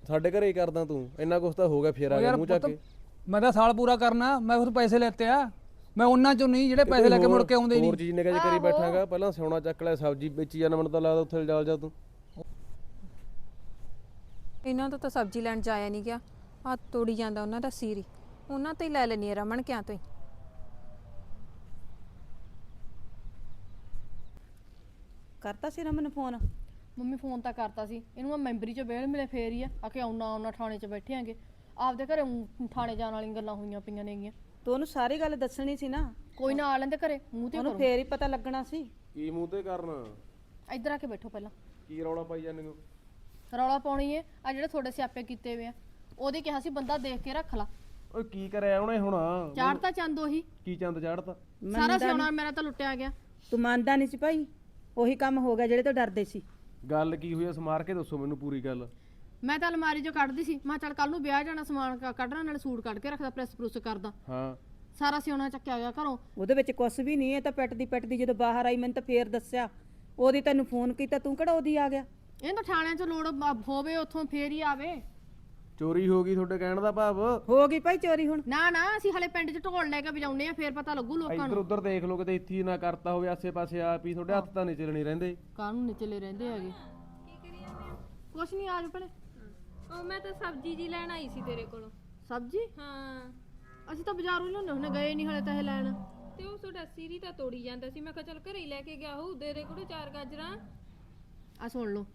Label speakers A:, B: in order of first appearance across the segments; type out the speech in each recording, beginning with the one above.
A: ਸਾਡੇ ਘਰੇ ਹੀ ਕਰਦਾ ਤੂੰ ਇੰਨਾ ਕੁਛ ਤਾਂ ਹੋ ਗਿਆ ਫੇਰ ਆ ਗਿਆ ਮੂੰਹ ਚੱਕ ਕੇ।
B: ਮੈਂ ਤਾਂ ਸਾਲ ਪੂਰਾ ਕਰਨਾ, ਮੈਂ ਉਸ ਪੈਸੇ ਲੈਤੇ ਆ, ਮੈਂ ਉਹਨਾਂ ਚੋਂ ਨਹੀਂ ਜਿਹੜੇ ਪੈਸੇ ਲੈ ਕੇ ਮੁੜ ਕੇ ਆਉਂਦੇ ਨਹੀਂ।
A: ਹੋਰ ਚੀਜ਼ ਨੇ ਕਰੀ ਬੈਠਾਂਗਾ, ਪਹਿਲਾਂ ਸਿਉਣਾ ਚੱਕ ਲੈ, ਸਬਜ਼ੀ ਵੇਚੀ ਜਾਣਾ, ਮੈਨੂੰ ਤਾਂ ਲੱਗਦਾ ਉੱਥੇ ਜਾ ਤੂੰ।
C: ਇਹਨਾਂ ਤੋਂ ਤਾਂ ਸਬਜ਼ੀ ਲੈਣ ਜਾਇਆ ਨਹੀਂ ਗਿਆ, ਆ ਤੋੜੀ ਜਾਂਦਾ ਉਹਨਾਂ ਦਾ ਸੀਰੀ, ਉਹਨਾਂ ਤੋਂ ਹੀ ਲੈ ਲੈਣੀ ਰਮਨ ਕਿਆਂ ਤੋਂ ਹੀ।
D: ਕਰਤਾ ਸੀ ਰਮਨ ਫੋਨ?
E: ਮੰਮੀ ਫੋਨ ਤਾਂ ਕਰਤਾ ਸੀ ਇਹਨੂੰ, ਮੈਂ ਮੈਂਬਰੀ ਚ ਵੇਲ ਮਿਲੇ ਫੇਰ ਹੀ ਆ ਕਿ ਆਉਣਾ ਥਾਣੇ ਚ ਬੈਠੇ ਆਂਗੇ, ਆਪਦੇ ਘਰੇ ਥਾਣੇ ਜਾਣ ਵਾਲੀਆਂ ਗੱਲਾਂ ਹੋਈਆਂ ਪਈਆਂ ਨੇਗੀਆਂ।
D: ਤੂੰ ਉਹਨੂੰ ਸਾਰੀ ਗੱਲ ਦੱਸਣੀ ਸੀ ਨਾ।
E: ਕੋਈ ਨਾ ਆ ਲੈਂਦੇ ਘਰੇ, ਮੂੰਹ ਤੇ
D: ਉਹਨੂੰ
E: ਕਰੋ।
D: ਫੇਰ ਹੀ ਪਤਾ ਲੱਗਣਾ ਸੀ।
A: ਕੀ ਮੂੰਹ ਤੇ ਕਰਨਾ?
E: ਇੱਧਰ ਆ ਕੇ ਬੈਠੋ ਪਹਿਲਾਂ।
A: ਕੀ ਰੌਲਾ ਪਾਈ ਜਾਂਦੇ ਹੋ?
E: ਰੌਲਾ ਪਾਉਣੀ ਏ ਆ ਜਿਹੜੇ ਤੁਹਾਡੇ ਸਿਆਪੇ ਕੀਤੇ ਵੇ ਆ, ਉਹਦੇ ਕਿਹਾ ਸੀ ਬੰਦਾ ਦੇਖ ਕੇ ਰੱਖ ਲਾ।
A: ਓਏ ਕੀ ਕਰਿਆ ਉਹਨੇ ਹੁਣ?
E: ਚਾੜਤਾ ਚੰਦ ਉਹੀ,
A: ਕੀ ਚੰਦ ਚਾੜਤਾ?
E: ਸਾਰਾ ਸਿਆਣਾ ਮੇਰਾ ਤਾਂ ਲੁੱਟਿਆ ਗਿਆ।
D: ਤੂੰ ਮੰਨਦਾ ਨਹੀਂ ਸੀ ਭਾਈ, ਉਹੀ ਕੰਮ ਹੋ ਗਿਆ ਜਿਹੜੇ ਤੋਂ ਡਰਦੇ ਸੀ।
A: ਗੱਲ ਕੀ ਹੋਈ? ਸਮਾਰ ਕੇ ਦੱਸੋ ਮੈਨੂੰ ਪੂਰੀ ਗੱਲ।
E: ਮੈਂ ਤਾਂ ਅਲਮਾਰੀ ਚੋਂ ਕੱਢਦੀ ਸੀ, ਮੈਂ ਚੱਲ ਕੱਲ ਨੂੰ ਵਿਆਹ ਜਾਣਾ, ਸਮਾਨ ਕੱਢਣਾ, ਨਾਲ ਸੂਟ ਕੱਢ ਕੇ ਰੱਖਦਾ, ਪ੍ਰੈਸ ਪ੍ਰੂਸ ਕਰਦਾ।
A: ਹਾਂ
E: ਸਾਰਾ ਸਿਆਣਾ ਚੱਕਿਆ ਗਿਆ ਘਰੋਂ।
D: ਉਹਦੇ ਵਿੱਚ ਕੁਛ ਵੀ ਨਹੀਂ, ਇਹ ਤਾਂ ਪਿੱਟਦੀ ਜਦੋਂ ਬਾਹਰ ਆਈ ਮੈਨੂੰ ਤਾਂ ਫੇਰ ਦੱਸਿਆ। ਉਹਦੀ ਤੈਨੂੰ ਫੋਨ ਕੀਤਾ, ਤੂੰ ਕਿਹੜਾ ਉਹਦੀ ਆ ਗਿਆ?
E: ਇਹ ਤਾਂ ਥਾਣਿਆਂ ਚ ਲੋੜ ਹੋਵੇ ਉੱਥੋਂ ਫੇਰ ਹੀ ਆਵੇ।
A: ਚੋਰੀ ਹੋ ਗਈ ਤੁਹਾਡੇ ਕਹਿਣ ਦਾ ਭਾਵ?
D: ਹੋ ਗਈ ਭਾਈ ਚੋਰੀ ਹੁਣ?
E: ਨਾ ਨਾ, ਅਸੀਂ ਹਲੇ ਪਿੰਡ ਚ ਢੋਲ ਲੈ ਕੇ ਵਜਾਉਨੇ ਆ, ਫੇਰ ਪਤਾ ਲੱਗੂ ਲੋਕਾਂ
A: ਇੱਧਰ
E: ਨੂੰ।
A: ਉੱਧਰ ਦੇਖ ਲੋ ਕਿਤੇ ਇੱਥੇ ਹੀ ਨਾ ਕਰਤਾ ਹੋਵੇ ਆਸੇ ਪਾਸੇ ਆਪ ਹੀ, ਤੁਹਾਡੇ ਹੱਥ ਤਾਂ ਨਹੀਂ ਚੱਲਣੀ ਰਹਿੰਦੇ।
E: ਕਾਹਨੂੰ ਨਿਚਲੇ ਰਹਿੰਦੇ ਹੈਗੇ। ਕੁਛ ਨਹੀਂ, ਆ ਜਾ ਭਲੇ।
C: ਉਹ ਮੈਂ ਤਾਂ ਸਬਜ਼ੀ ਜੀ ਲੈਣ ਆਈ ਸੀ ਤੇਰੇ ਕੋਲੋਂ।
E: ਸਬਜ਼ੀ?
C: ਹਾਂ
E: ਅਸੀਂ ਤਾਂ ਬਾਜ਼ਾਰੋਂ ਹੀ ਲਿਆਉਂਦੇ ਹੁੰਦੇ, ਗਏ ਨਹੀਂ ਹਲੇ ਤਾਂ ਇਹ ਲੈਣ।
C: ਤੇ ਉਹ ਤੁਹਾਡਾ ਸੀਰੀ ਤਾਂ ਤੋੜੀ ਜਾਂਦਾ ਸੀ, ਮੈਂ ਕਿਹਾ ਚੱਲ ਘਰੇ ਹੀ ਲੈ ਕੇ ਗਿਆ ਹੋਊ, ਦੇ ਦੇ ਕੋਲ 4 ਗਾਜਰਾਂ।
E: ਆ ਸੁਣ ਲਓ,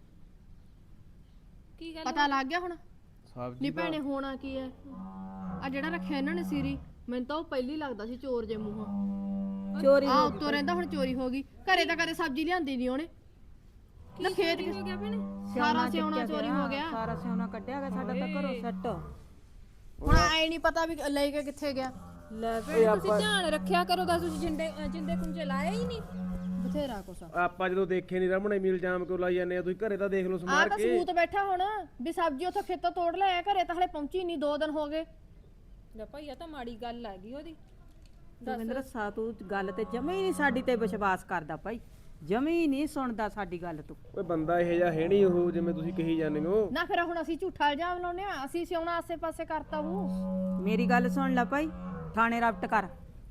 C: ਕੀ ਗੱਲ?
E: ਪਤਾ ਲੱਗ ਗਿਆ ਹੁਣ?
A: ਸਬਜ਼ੀ
E: ਨਹੀਂ ਭੈਣੇ, ਹੋਣਾ ਕੀ ਹੈ? ਆ ਜਿਹੜਾ ਰੱਖਿਆ ਇਹਨਾਂ ਨੇ ਸੀਰੀ, ਮੈਨੂੰ ਤਾਂ ਉਹ ਪਹਿਲੀ ਲੱਗਦਾ ਸੀ ਚੋਰ ਜੇ ਮੂੰਹੋਂ।
D: ਚੋਰੀ
E: ਆ ਉੱਤੋਂ ਰਹਿੰਦਾ, ਹੁਣ ਚੋਰੀ ਹੋ ਗਈ। ਘਰੇ ਤਾਂ ਕਦੇ ਸਬਜ਼ੀ ਲਿਆਂਦੀ ਨਹੀਂ ਉਹਨੇ। ਨਾ ਖੇਤ
C: ਹੋ ਗਿਆ ਭੈਣੇ?
E: ਸਾਰਾ ਸਿਉਣਾ ਚੋਰੀ ਹੋ ਗਿਆ।
D: ਸਾਰਾ ਸਿਉਣਾ ਕੱਢਿਆ ਗਿਆ ਸਾਡਾ ਤਾਂ ਘਰੋਂ ਸੱਟ।
E: ਹੁਣ ਐ ਨਹੀਂ ਪਤਾ ਵੀ ਲੈ ਕੇ ਕਿੱਥੇ ਗਿਆ।
D: ਲੈ
C: ਤੁਸੀਂ ਧਿਆਨ ਰੱਖਿਆ ਕਰੋ, ਦੱਸ ਤੁਸੀਂ ਜਿੰਦੇ ਕੁੰਜੇ ਲਾਇਆ ਹੀ ਨਹੀਂ।
E: ਬਥੇਰਾ ਕੁਛ
A: ਆਪਾਂ ਜਦੋਂ ਦੇਖੇ ਨਹੀਂ ਰਮਣੇ ਮੀਲ ਜਾਮ ਕਿਉਂ ਲਾਈ ਜਾਂਦੇ ਆ? ਤੁਸੀਂ ਘਰੇ ਤਾਂ ਦੇਖ ਲਓ
E: ਆ
A: ਸਮਾਰ
E: ਤਾਂ
A: ਕੇ।
E: ਸਬੂਤ ਬੈਠਾ ਹੁਣ ਵੀ ਸਬਜ਼ੀ ਉੱਥੋਂ ਖੇਤੋਂ ਤੋੜ ਲਿਆ, ਘਰੇ ਤਾਂ ਹਲੇ ਪਹੁੰਚੀ ਨਹੀਂ, 2 ਦਿਨ ਹੋ ਗਏ।
C: ਲੈ ਭਾਈ, ਆ ਤਾਂ ਮਾੜੀ ਗੱਲ ਆ ਗਈ ਉਹਦੀ।
D: ਦਵਿੰਦਰ ਸਾ ਤੂੰ ਗੱਲ ਤੇ ਜਮੇ ਹੀ ਨਹੀਂ ਸਾਡੀ ਤੇ ਵਿਸ਼ਵਾਸ ਕਰਦਾ ਭਾਈ, ਜਮੇ ਹੀ ਨਹੀਂ ਸੁਣਦਾ ਸਾਡੀ ਗੱਲ ਤੂੰ।
A: ਓਏ ਬੰਦਾ ਇਹੋ ਜਿਹਾ ਹੈ ਨਹੀਂ ਉਹ ਜਿਵੇਂ ਤੁਸੀਂ ਕਹੀ ਜਾਂਦੇ ਹੋ।
E: ਨਾ ਫਿਰ ਹੁਣ ਅਸੀਂ ਝੂਠਾ ਇਲਜ਼ਾਮ ਲਾਉਨੇ ਆ, ਅਸੀਂ ਸਿਉਣਾ ਆਸੇ-ਪਾਸੇ ਕਰਤਾ ਉਹ।
D: ਮੇਰੀ ਗੱਲ ਸੁਣ ਲੈ ਭਾਈ, ਥਾਣੇ ਰਪਟ ਕਰ।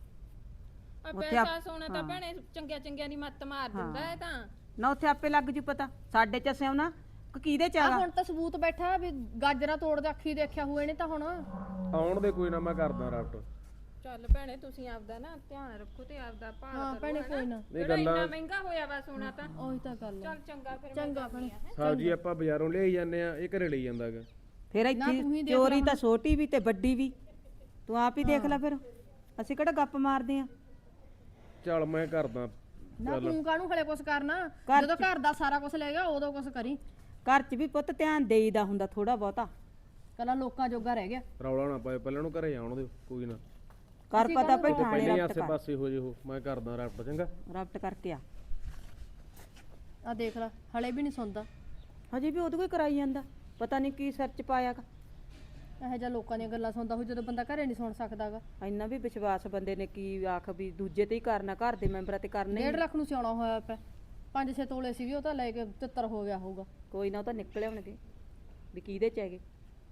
C: ਆ ਪੈਸਾ ਸੋਨਾ ਤਾਂ ਭੈਣੇ ਚੰਗਿਆਂ ਦੀ ਮੱਤ ਮਾਰ ਦਿੰਦਾ ਹੈ ਤਾਂ।
D: ਨਾ ਉੱਥੇ ਆਪੇ ਲੱਗ ਜੂ ਪਤਾ ਸਾਡੇ ਚ ਸਿਉਣਾ ਕਿਹਦੇ ਚ
E: ਆ
D: ਹੈਗਾ।
E: ਹੁਣ ਤਾਂ ਸਬੂਤ ਬੈਠਾ ਵੀ ਗਾਜਰਾਂ ਤੋੜਦੇ ਅੱਖੀ ਦੇਖਿਆ ਹੋਏ ਨੇ ਤਾਂ ਹੁਣ।
A: ਆਉਣ ਦੇ ਕੋਈ ਨਾ, ਮੈਂ ਕਰਦਾ ਰਾਪਟ।
C: ਚੱਲ ਭੈਣੇ, ਤੁਸੀਂ ਆਪਦਾ ਨਾ ਧਿਆਨ ਰੱਖੋ ਤੇ ਆਪਦਾ ਭਾਲ
E: ਹਾਂ
C: ਕਰੋ।
E: ਭੈਣੇ, ਕੋਈ ਨਾ।
A: ਨਹੀਂ
C: ਇੰਨਾ
A: ਗੱਲਾਂ
C: ਮਹਿੰਗਾ ਹੋਇਆ ਵਾ ਸੋਨਾ ਤਾਂ।
E: ਉਹੀ ਤਾਂ ਗੱਲ ਆ।
C: ਚੱਲ ਚੰਗਾ ਫਿਰ।
E: ਚੰਗਾ ਭੈਣੇ।
A: ਸਬਜ਼ੀ ਆਪਾਂ ਬਾਜ਼ਾਰੋਂ ਲਿਆਈ ਜਾਂਦੇ ਆ, ਇਹ ਘਰੇ ਲਈ ਜਾਂਦਾਗਾ।
D: ਫਿਰ ਇੱਥੇ ਚੋਰੀ ਤਾਂ ਛੋਟੀ ਵੀ ਤੇ ਵੱਡੀ ਵੀ, ਤੂੰ ਆਪ ਹੀ ਦੇਖ ਲੈ। ਫਿਰ ਅਸੀਂ ਕਿਹੜਾ ਗੱਪ ਮਾਰਦੇ ਆ?
A: ਚੱਲ ਮੈਂ ਕਰਦਾ।
E: ਨਾ ਤੂੰ ਕਾਹਨੂੰ ਹਲੇ ਕੁਛ ਕਰਨਾ, ਜਦੋਂ ਘਰ ਦਾ ਸਾਰਾ ਕੁਝ ਲੈ ਗਿਆ ਉਦੋਂ ਕੁਛ ਕਰੀ।
D: ਘਰ ਚ ਵੀ ਪੁੱਤ ਧਿਆਨ ਦੇਈਦਾ ਹੁੰਦਾ ਥੋੜਾ ਬਹੁਤਾ।
E: ਕੱਲਾ ਲੋਕਾਂ ਜੋਗਾ ਰਹਿ ਗਿਆ।
A: ਰੌਲਾ ਨਾ ਪਾਏ, ਪਹਿਲਾਂ ਨੂੰ ਘਰੇ ਆਉਣ ਦਿਓ ਕੋਈ ਨਾ।
D: ਕਰ ਪਤਾ ਭਾਈ, ਥਾਣੇ
A: ਪਹਿਲਾਂ ਹੀ
D: ਰਪਟ
A: ਆਸੇ
D: ਕਰ।
A: ਪਾਸੇ ਹੋ ਜੇ ਉਹ, ਮੈਂ ਕਰਦਾ ਰਾਪਟ। ਚੰਗਾ
D: ਰਪਟ ਕਰਕੇ ਆ।
E: ਆ ਦੇਖ ਲੈ, ਹਲੇ ਵੀ ਨਹੀਂ ਸੁਣਦਾ।
D: ਹਜੇ ਵੀ ਉਹਦੇ ਕੋਈ ਕਰਾਈ ਜਾਂਦਾ, ਪਤਾ ਨਹੀਂ ਕੀ ਸਿਰ ਚ ਪਾਇਆਗਾ।
E: ਇਹੋ ਜਿਹਾ ਲੋਕਾਂ ਦੀਆਂ ਗੱਲਾਂ ਸੁਣਦਾ ਹੋਈ ਜਦੋਂ ਬੰਦਾ ਘਰੇ ਨਹੀਂ ਸੁਣ ਸਕਦਾਗਾ।
D: ਇੰਨਾ ਵੀ ਵਿਸ਼ਵਾਸ ਬੰਦੇ ਨੇ ਕੀ ਆਖ ਵੀ ਦੂਜੇ ਤੇ ਹੀ ਕਰਨਾ, ਘਰ ਦੇ ਮੈਂਬਰਾਂ ਤੇ ਕਰਨਾ ਹੀ
E: 1.5 ਲੱਖ ਨੂੰ ਸਿਆਉਣਾ ਹੋਇਆ ਪਿਆ। 5-6 ਤੋਲੇ ਸੀਗੇ, ਉਹ ਤਾਂ ਲੈ ਕੇ ਤਿੱਤਰ ਹੋ ਗਿਆ ਹੋਊਗਾ।
D: ਕੋਈ ਨਾ, ਉਹ ਤਾਂ ਨਿਕਲੇ ਹੋਣਗੇ ਵੀ ਕਿਹਦੇ ਚ ਹੈਗੇ।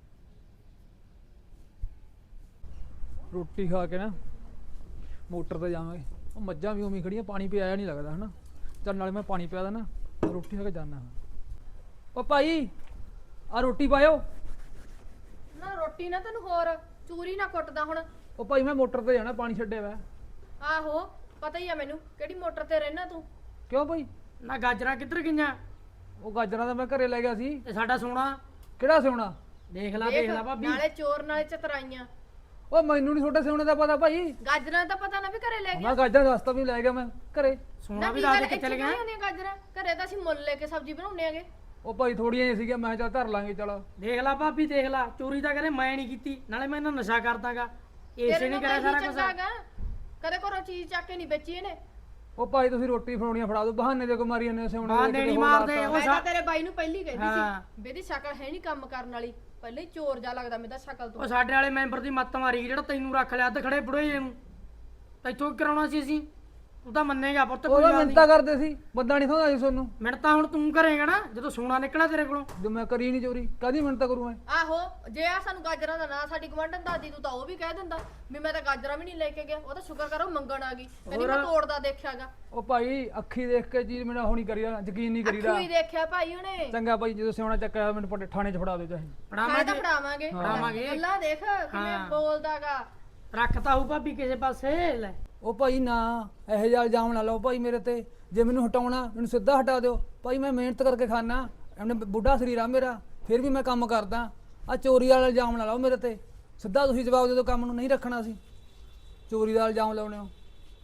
B: ਰੋਟੀ ਖਾ ਕੇ ਨਾ ਮੋਟਰ ਤੇ ਜਾਵਾਂਗੇ। ਉਹ ਮੱਝਾਂ ਵੀ ਉਵੇਂ ਹੀ ਖੜੀਆਂ, ਪਾਣੀ ਪਿਆਇਆ ਨਹੀਂ ਲੱਗਦਾ ਹਨਾ। ਚੱਲ ਨਾਲੇ ਮੈਂ ਪਾਣੀ ਪਿਆ ਦੇਣਾ, ਰੋਟੀ ਖਾ ਕੇ ਜਾਣਾ। ਉਹ ਭਾਈ ਆ ਰੋਟੀ ਪਾਇਓ।
E: ਨਾ ਰੋਟੀ ਨਾ ਤੈਨੂੰ ਹੋਰ ਚੂਰੀ ਨਾ ਕੁੱਟਦਾ ਹੁਣ।
B: ਉਹ ਭਾਈ ਮੈਂ ਮੋਟਰ ਤੇ ਜਾਣਾ, ਪਾਣੀ ਛੱਡਿਆ ਵਾ।
E: ਆਹੋ ਪਤਾ ਹੀ ਆ ਮੈਨੂੰ, ਕਿਹੜੀ ਮੋਟਰ ਤੇ ਰਹਿਣਾ ਤੂੰ।
B: ਕਿਉਂ ਭਾਈ?
F: ਨਾ ਗਾਜਰਾਂ ਕਿੱਧਰ ਗਈਆਂ?
B: ਉਹ ਗਾਜਰਾਂ ਤਾਂ ਮੈਂ ਘਰੇ ਲੈ ਗਿਆ ਸੀ।
F: ਤੇ ਸਾਡਾ ਸੋਨਾ
B: ਕਿਹੜਾ ਸਿਉਣਾ?
F: ਦੇਖ ਲੈ ਭਾਬੀ।
E: ਨਾਲੇ ਚੋਰ ਨਾਲੇ ਚਤਰਾਈਆਂ।
B: ਉਹ ਮੈਨੂੰ ਨਹੀਂ ਛੋਟੇ ਸਿਉਣੇ ਦਾ ਪਤਾ ਭਾਈ।
E: ਗਾਜਰਾਂ ਦਾ ਪਤਾ ਨਾ ਵੀ ਘਰੇ ਲੈ ਗਿਆ।
B: ਮੈਂ ਗਾਜਰਾਂ ਰਸਤਾ ਵੀ ਲੈ ਗਿਆ ਮੈਂ ਘਰੇ।
F: ਸੋਨਾ ਵੀ ਦੱਸ ਦੇ ਕਿੱਥੇ
E: ਚਲੇ
F: ਗਿਆ।
E: ਹੁੰਦੀਆਂ ਗਾਜਰਾਂ ਘਰੇ ਤਾਂ ਅਸੀਂ ਮੁੱਲ ਲੈ ਕੇ ਸਬਜ਼ੀ ਬਣਾਉਂਦੇ ਆਗੇ।
B: ਉਹ ਭਾਈ ਥੋੜੀਆਂ ਜਿਹੀਆਂ ਸੀਗੀਆਂ, ਮੈਂ ਕਿਹਾ ਚੱਲ ਧਰ ਲਾਂਗੇ। ਚਲ
F: ਦੇਖ ਲੈ ਭਾਬੀ, ਦੇਖ ਲੈ, ਚੋਰੀ ਤਾਂ ਕਹਿੰਦੇ ਮੈਂ ਨਹੀਂ ਕੀਤੀ, ਨਾਲੇ ਮੈਂ ਇਹਨਾਂ ਨਸ਼ਾ ਕਰਦਾਗਾ। ਇਸੇ ਨੇ ਕਰਿਆ ਸਾਰਾ ਕੁਝ।
E: ਕਦੇ ਘਰੋਂ ਚੀਜ਼ ਚੱਕ ਕੇ ਨਹੀਂ ਵੇਚੀ ਇਹਨੇ।
B: ਉਹ ਭਾਈ ਤੁਸੀਂ ਰੋਟੀ ਫੜਾਉਣੀਆਂ ਫੜਾ ਦਿਓ, ਬਹਾਨੇ ਦੇ ਕੋ ਮਾਰੀ ਜਾਂਦੇ ਸਿਉਣੇ।
F: ਬਹਾਨੇ ਨਹੀਂ ਮਾਰਦੇ।
E: ਮੈਂ ਤਾਂ ਤੇਰੇ ਬਾਈ ਨੂੰ ਪਹਿਲੀ ਕਹਿੰਦੀ
F: ਹਾਂ।
E: ਸੀ ਬੇਦੀ ਸ਼ਕਲ ਹੈ ਨਹੀਂ ਕੰਮ ਕਰਨ ਵਾਲੀ, ਪਹਿਲੇ ਹੀ ਚੋਰ ਜਾ ਲੱਗਦਾ ਮੇਰਾ ਸ਼ਕਲ ਤੋਂ।
F: ਉਹ ਸਾਡੇ ਵਾਲੇ ਮੈਂਬਰ ਦੀ ਮੱਤ ਮਾਰੀ, ਜਿਹੜਾ ਤੈਨੂੰ ਰੱਖ ਲਿਆ ਅੱਧ ਖੜੇ ਬੁੜੇ ਜੇ ਨੂੰ। ਤੈਥੋਂ ਕੀ ਕਰਾਉਣਾ ਸੀ ਅਸੀਂ? ਤੂੰ ਤਾਂ ਮੰਨੇਗਾ ਪੁੱਤ ਕੋਈ
B: ਉਹਦਾ
F: ਗੱਲ
B: ਮਿੰਤਾ ਕਰਦੇ ਸੀ ਬੰਦਾ ਨਹੀਂ ਥੋੜਾ ਜੀ ਤੁਹਾਨੂੰ
F: ਮਿੰਟ ਤਾਂ ਹੁਣ ਤੂੰ ਕਰੇਗਾ ਨਾ ਜਦੋਂ ਸੋਨਾ ਨਿਕਲਿਆ ਤੇਰੇ ਕੋਲੋਂ।
B: ਜੋ ਮੈਂ ਕਰੀ ਨਹੀਂ ਚੋਰੀ ਕਾਹਦੀ ਮਿੰਤਾ ਕਰੂੰ ਮੈਂ
E: ਆਹੋ ਜੇ ਆ ਸਾਨੂੰ ਗਾਜਰਾਂ ਦਾ ਨਾ ਸਾਡੀ ਗਵੰਡਨ ਦਾਦੀ ਤੂੰ ਤਾਂ ਉਹ ਵੀ ਕਹਿ ਦਿੰਦਾ ਵੀ ਮੈਂ ਤਾਂ ਗਾਜਰਾਂ ਵੀ ਨਹੀਂ ਲੈ ਕੇ ਗਿਆ। ਉਹ ਤਾਂ ਸ਼ੁਕਰ ਕਰੋ ਮੰਗਣ ਆ ਗਈ, ਕਹਿੰਦੀ ਮੈਂ ਤੋੜਦਾ ਦੇਖਿਆਗਾ।
B: ਉਹ ਭਾਈ ਅੱਖੀ ਦੇਖ ਕੇ ਚੀਜ਼ ਮੈਨੂੰ ਹੁਣੀ ਕਰੀਦਾ ਯਕੀਨ ਨਹੀਂ ਕਰੀਦਾ।
E: ਅੱਖੀ ਦੇਖਿਆ ਭਾਈ ਉਹਨੇ।
B: ਚੰਗਾ ਭਾਈ ਜਦੋਂ ਸਿਉਣਾ ਚੱਕਿਆ ਮੈਨੂੰ ਪੱਟੇ ਥਾਣੇ 'ਚ ਫੜਾ ਦਿਓ ਚਾਹੇ।
E: ਫਾਇਦਾ ਫੜਾਵਾਂਗੇ ਗੱਲਾਂ ਦੇਖ ਕਿਵੇਂ ਬੋਲਦਾਗਾ।
F: ਰੱਖਤਾ ਹੂ ਭਾਬੀ ਕਿਸੇ ਪਾਸੇ ਲੈ।
B: ਉਹ ਭਾਈ ਨਾ ਇਹੋ ਜਿਹਾ ਇਲਜ਼ਾਮ ਨਾ ਲਾਓ ਭਾਈ ਮੇਰੇ ਤੇ। ਜੇ ਮੈਨੂੰ ਹਟਾਉਣਾ ਮੈਨੂੰ ਸਿੱਧਾ ਹਟਾ ਦਿਓ ਭਾਈ। ਮੈਂ ਮਿਹਨਤ ਕਰਕੇ ਖਾਣਾ, ਇਹਨੇ ਬੁੱਢਾ ਸਰੀਰ ਆ ਮੇਰਾ, ਫਿਰ ਵੀ ਮੈਂ ਕੰਮ ਕਰਦਾ। ਆ ਚੋਰੀ ਵਾਲਾ ਇਲਜ਼ਾਮ ਨਾ ਲਾਓ ਮੇਰੇ ਤੇ। ਸਿੱਧਾ ਤੁਸੀਂ ਜਵਾਬ ਦੇ ਦਿਓ, ਕੰਮ ਨੂੰ ਨਹੀਂ ਰੱਖਣਾ ਸੀ। ਚੋਰੀ ਦਾ ਇਲਜ਼ਾਮ ਲਾਉਣੇ ਹੋ।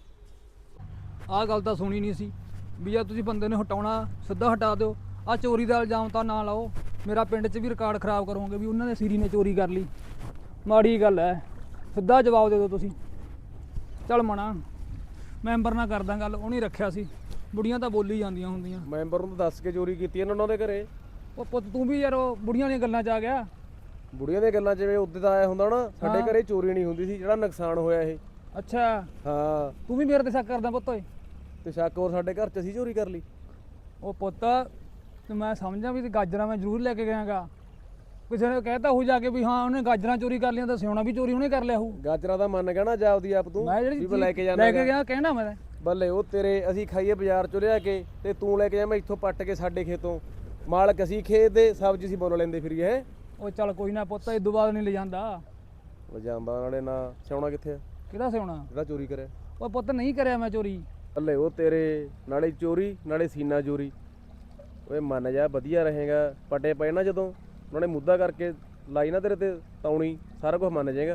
B: ਆਹ ਗੱਲ ਤਾਂ ਸੁਣੀ ਨਹੀਂ ਸੀ ਵੀ ਜੇ ਤੁਸੀਂ ਬੰਦੇ ਨੂੰ ਹਟਾਉਣਾ ਸਿੱਧਾ ਹਟਾ ਦਿਓ। ਆ ਚੋਰੀ ਦਾ ਇਲਜ਼ਾਮ ਤਾਂ ਨਾ ਲਾਓ। ਮੇਰਾ ਪਿੰਡ 'ਚ ਵੀ ਰਿਕਾਰਡ ਖਰਾਬ ਕਰੋਗੇ ਵੀ ਉਹਨਾਂ ਦੇ ਸਿਰੀ ਨੇ ਚੋਰੀ ਕਰ ਲਈ। ਮਾੜੀ ਗੱਲ ਹੈ, ਸਿੱਧਾ ਜਵਾਬ ਦੇ ਦਿਓ ਤੁਸੀਂ। ਚੱਲ ਮਣਾ ਮੈਂਬਰ ਨਾਲ ਕਰਦਾ ਗੱਲ, ਉਹ ਨਹੀਂ ਰੱਖਿਆ ਸੀ। ਬੁੜੀਆਂ ਤਾਂ ਬੋਲੀ ਜਾਂਦੀਆਂ ਹੁੰਦੀਆਂ।
A: ਮੈਂਬਰ ਨੂੰ ਦੱਸ ਕੇ ਚੋਰੀ ਕੀਤੀ ਇਹਨਾਂ ਉਹਨਾਂ ਦੇ ਘਰੇ।
B: ਉਹ ਪੁੱਤ ਤੂੰ ਵੀ ਯਾਰ ਉਹ ਬੁੜੀਆਂ ਦੀਆਂ ਗੱਲਾਂ 'ਚ ਆ ਗਿਆ।
A: ਬੁੜੀਆਂ ਦੀਆਂ ਗੱਲਾਂ ਜਿਵੇਂ ਉੱਦੇ ਦਾ ਆਇਆ ਹੁੰਦਾ ਨਾ, ਸਾਡੇ ਘਰੇ ਚੋਰੀ ਨਹੀਂ ਹੁੰਦੀ ਸੀ। ਜਿਹੜਾ ਨੁਕਸਾਨ ਹੋਇਆ ਇਹ।
B: ਅੱਛਾ
A: ਹਾਂ
B: ਤੂੰ ਵੀ ਮੇਰੇ ਤੇ ਸ਼ੱਕ ਕਰਦਾ ਪੁੱਤ ਓਏ।
A: ਤੇ ਸ਼ੱਕ ਹੋਰ ਸਾਡੇ ਘਰ 'ਚ ਅਸੀਂ ਚੋਰੀ ਕਰ ਲਈ।
B: ਉਹ ਪੁੱਤ ਤੇ ਮੈਂ ਸਮਝਾਂ ਵੀ ਤੇ ਗਾਜਰਾਂ ਮੈਂ ਜ਼ਰੂਰ ਲੈ ਕੇ ਗਿਆਗਾ। ਕਿਸੇ ਨੇ ਕਹਿਤਾ ਹੋ ਜਾ ਕੇ ਵੀ ਹਾਂ ਉਹਨੇ ਗਾਜਰਾਂ ਚੋਰੀ ਕਰ ਲਿਆ ਤਾਂ ਸਿਉਣਾ ਵੀ ਚੋਰੀ ਉਹਨੇ ਕਰ ਲਿਆ ਹੋਊ।
A: ਗਾਜਰਾਂ ਦਾ ਮੰਨ ਗਿਆ ਨਾ ਜਾਪਦੀ ਆਪ ਤੂੰ
B: ਮੈਂ ਜਿਹੜੀ
A: ਵੀ ਲੈ ਕੇ ਜਾਣਾ
B: ਲੈ ਕੇ ਗਿਆ ਕਹਿਣਾ ਮੈਂ।
A: ਬੱਲੇ ਉਹ ਤੇਰੇ ਅਸੀਂ ਖਾਈਏ ਬਾਜ਼ਾਰ ਚੋਂ ਲਿਆ ਕੇ ਤੇ ਤੂੰ ਲੈ ਕੇ ਜਾਵੇਂ ਇੱਥੋਂ ਪੱਟ ਕੇ ਸਾਡੇ ਖੇਤੋਂ। ਮਾਲਕ ਅਸੀਂ ਖੇਤ ਦੇ, ਸਬਜ਼ੀ ਅਸੀਂ ਬੋਲ ਲੈਂਦੇ ਫਿਰੀਏ ਹੈ।
B: ਉਹ ਚੱਲ ਕੋਈ ਨਾ ਪੁੱਤ ਇਦੋਂ ਬਾਅਦ ਨਹੀਂ ਲੈ ਜਾਂਦਾ।
A: ਵਜਾਂਬਾ ਨਾਲੇ ਨਾ ਸਿਉਣਾ ਕਿੱਥੇ ਆ
B: ਕਿਹਦਾ ਸਿਉਣਾ?
A: ਜਿਹੜਾ ਚੋਰੀ ਕਰਿਆ।
B: ਉਹ ਪੁੱਤ ਨਹੀਂ ਕਰਿਆ ਮੈਂ ਚੋਰੀ।
A: ਬੱਲੇ ਉਹ ਤੇਰੇ ਨਾਲੇ ਚੋਰੀ ਨਾਲੇ ਸੀਨਾ ਚੋਰੀ। ਓਏ ਮੰਨ ਜਾ ਵਧੀਆ ਰਹੇਗਾ। ਪਟੇ ਪਏ ਨਾ ਜਦੋਂ ਉਹਨਾਂ ਨੇ ਮੁੱਦਾ ਕਰਕੇ ਲਾਈ ਨਾ ਤੇਰੇ ਤੇ ਤੌਣੀ, ਸਾਰਾ ਕੁਝ ਮੰਨ ਜਾਏਗਾ।